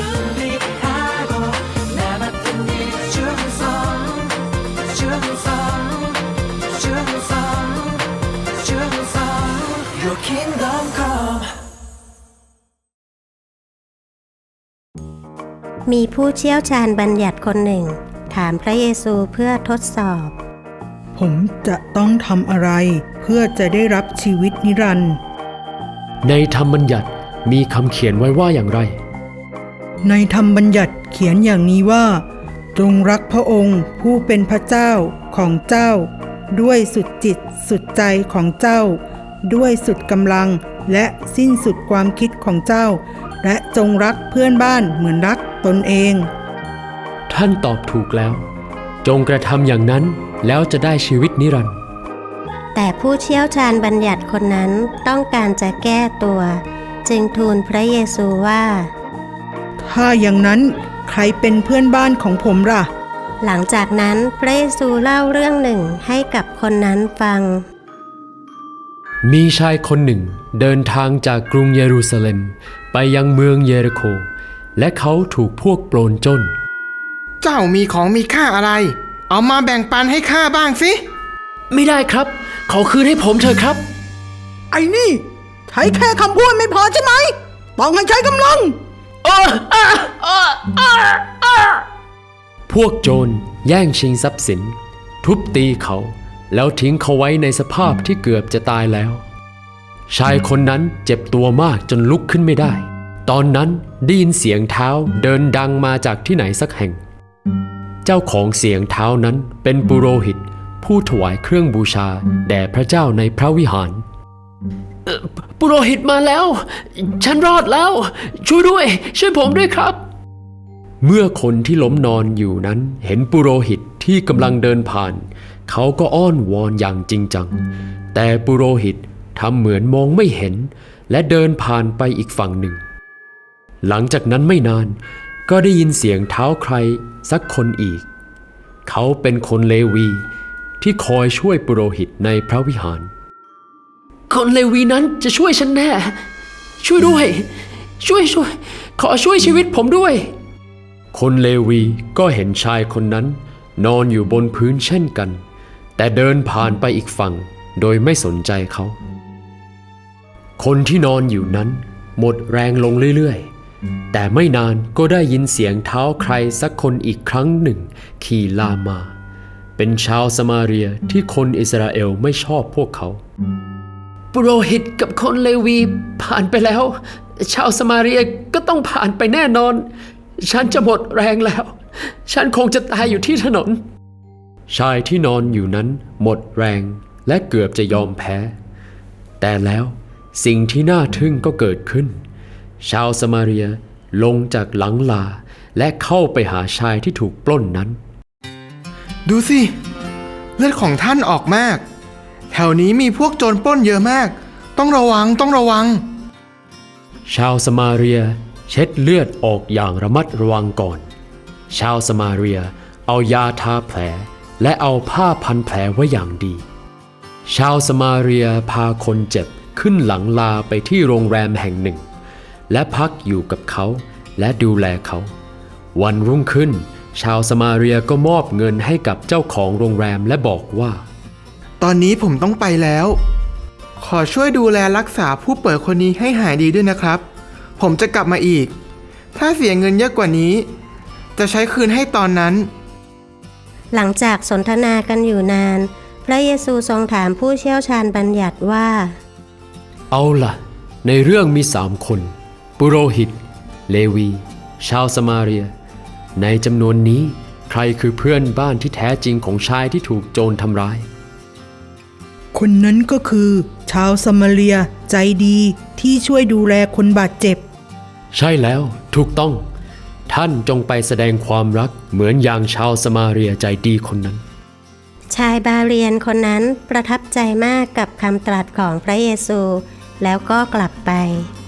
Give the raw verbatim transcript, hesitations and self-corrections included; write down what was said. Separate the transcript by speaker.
Speaker 1: 준비하고 나 맡은 일 충성 충성 충성 충성 Your kingdom come
Speaker 2: มีผู้เชี่ยวชาญบัญญัติคนหนึ่งถามพระเยซูเพื่อทดสอบ
Speaker 3: ผมจะต้องทำอะไรเพื่อจะได้รับชีวิตนิรันดร์
Speaker 4: ในธรรมบัญญัติมีคำเขียนไว้ว่าอย่างไร
Speaker 3: ในธรรมบัญญัติเขียนอย่างนี้ว่าจงรักพระองค์ผู้เป็นพระเจ้าของเจ้าด้วยสุดจิตสุดใจของเจ้าด้วยสุดกำลังและสิ้นสุดความคิดของเจ้าและจงรักเพื่อนบ้านเหมือนรักตนเอง
Speaker 4: ท่านตอบถูกแล้วจงกระทำอย่างนั้นแล้วจะได้ชีวิตนิรันดร์
Speaker 2: แต่ผู้เชี่ยวชาญบัญญัติคนนั้นต้องการจะแก้ตัวจึงทูลพระเยซูว่า
Speaker 3: ถ้าอย่างนั้นใครเป็นเพื่อนบ้านของผมล่ะ
Speaker 2: หลังจากนั้นพระเยซูเล่าเรื่องหนึ่งให้กับคนนั้นฟัง
Speaker 4: มีชายคนหนึ่งเดินทางจากกรุงเยรูซาเล็มไปยังเมืองเยริโคและเขาถูกพวกโจรปล้น
Speaker 5: เจ้ามีของมีค่าอะไรเอามาแบ่งปันให้ข้าบ้างสิ
Speaker 4: ไม่ได้ครับขอคืนให้ผมเถอะครับ
Speaker 3: ไอ้นี่ใช้แค่คำพูดไม่พอใช่ไหมต้องให้ใช้กำลัง
Speaker 4: พวกโจรแย่งชิงทรัพย์สินทุบตีเขาแล้วทิ้งเขาไว้ในสภาพที่เกือบจะตายแล้วชายคนนั้นเจ็บตัวมากจนลุกขึ้นไม่ได้ตอนนั้นได้ยินเสียงเท้าเดินดังมาจากที่ไหนสักแห่งเจ้าของเสียงเท้านั้นเป็นปุโรหิตผู้ถวายเครื่องบูชาแด่พระเจ้าในพระวิหารปุโรหิตมาแล้วฉันรอดแล้วช่วยด้วยช่วยผมด้วยครับเมื่อคนที่ล้มนอนอยู่นั้นเห็นปุโรหิตที่กำลังเดินผ่านเขาก็อ้อนวอนอย่างจริงจังแต่ปุโรหิตทำเหมือนมองไม่เห็นและเดินผ่านไปอีกฝั่งหนึ่งหลังจากนั้นไม่นานก็ได้ยินเสียงเท้าใครสักคนอีกเขาเป็นคนเลวีที่คอยช่วยปุโรหิตในพระวิหารคนเลวีนั้นจะช่วยฉันแน่ช่วยด้วยช่วยช่วยขอช่วยชีวิตผมด้วยคนเลวีก็เห็นชายคนนั้นนอนอยู่บนพื้นเช่นกันแต่เดินผ่านไปอีกฝั่งโดยไม่สนใจเขาคนที่นอนอยู่นั้นหมดแรงลงเรื่อยๆแต่ไม่นานก็ได้ยินเสียงเท้าใครสักคนอีกครั้งหนึ่งขี่ลามมาเป็นชาวสมาเรียที่คนอิสราเอลไม่ชอบพวกเขาปุโรหิตกับคนเลวีผ่านไปแล้วชาวสมาเรียก็ต้องผ่านไปแน่นอนฉันจะหมดแรงแล้วฉันคงจะตายอยู่ที่ถนนชายที่นอนอยู่นั้นหมดแรงและเกือบจะยอมแพ้แต่แล้วสิ่งที่น่าทึ่งก็เกิดขึ้นชาวสมาเรียลงจากหลังลาและเข้าไปหาชายที่ถูกปล้นนั้น
Speaker 5: ดูสิเลือดของท่านออกมากแถวนี้มีพวกโจรปล้นเยอะมากต้องระวังต้องระวัง
Speaker 4: ชาวสมาเรียเช็ดเลือดออกอย่างระมัดระวังก่อนชาวสมาเรียเอายาทาแผลและเอาผ้าพันแผลไว้อย่างดีชาวสมาเรียพาคนเจ็บขึ้นหลังลาไปที่โรงแรมแห่งหนึ่งและพักอยู่กับเขาและดูแลเขาวันรุ่งขึ้นชาวสมาเรียก็มอบเงินให้กับเจ้าของโรงแรมและบอกว่า
Speaker 5: ตอนนี้ผมต้องไปแล้วขอช่วยดูแลรักษาผู้ป่วยคนนี้ให้หายดีด้วยนะครับผมจะกลับมาอีกถ้าเสียเงินเยอะกว่านี้จะใช้คืนให้ตอนนั้น
Speaker 2: หลังจากสนทนากันอยู่นานพระเยซูทรงถามผู้เชี่ยวชาญบัญญัติว่า
Speaker 4: เอาล่ะในเรื่องมีสามคนปุโรหิตเลวีชาวสมาเรียในจำนวนนี้ใครคือเพื่อนบ้านที่แท้จริงของชายที่ถูกโจรทำร้าย
Speaker 3: คนนั้นก็คือชาวสมาเรียใจดีที่ช่วยดูแลคนบาดเจ็บ
Speaker 4: ใช่แล้วถูกต้องท่านจงไปแสดงความรักเหมือนอย่างชาวสมาเรียใจดีคนนั้น
Speaker 2: ชายบาเรียนคนนั้นประทับใจมากกับคำตรัสของพระเยซูแล้วก็กลับไป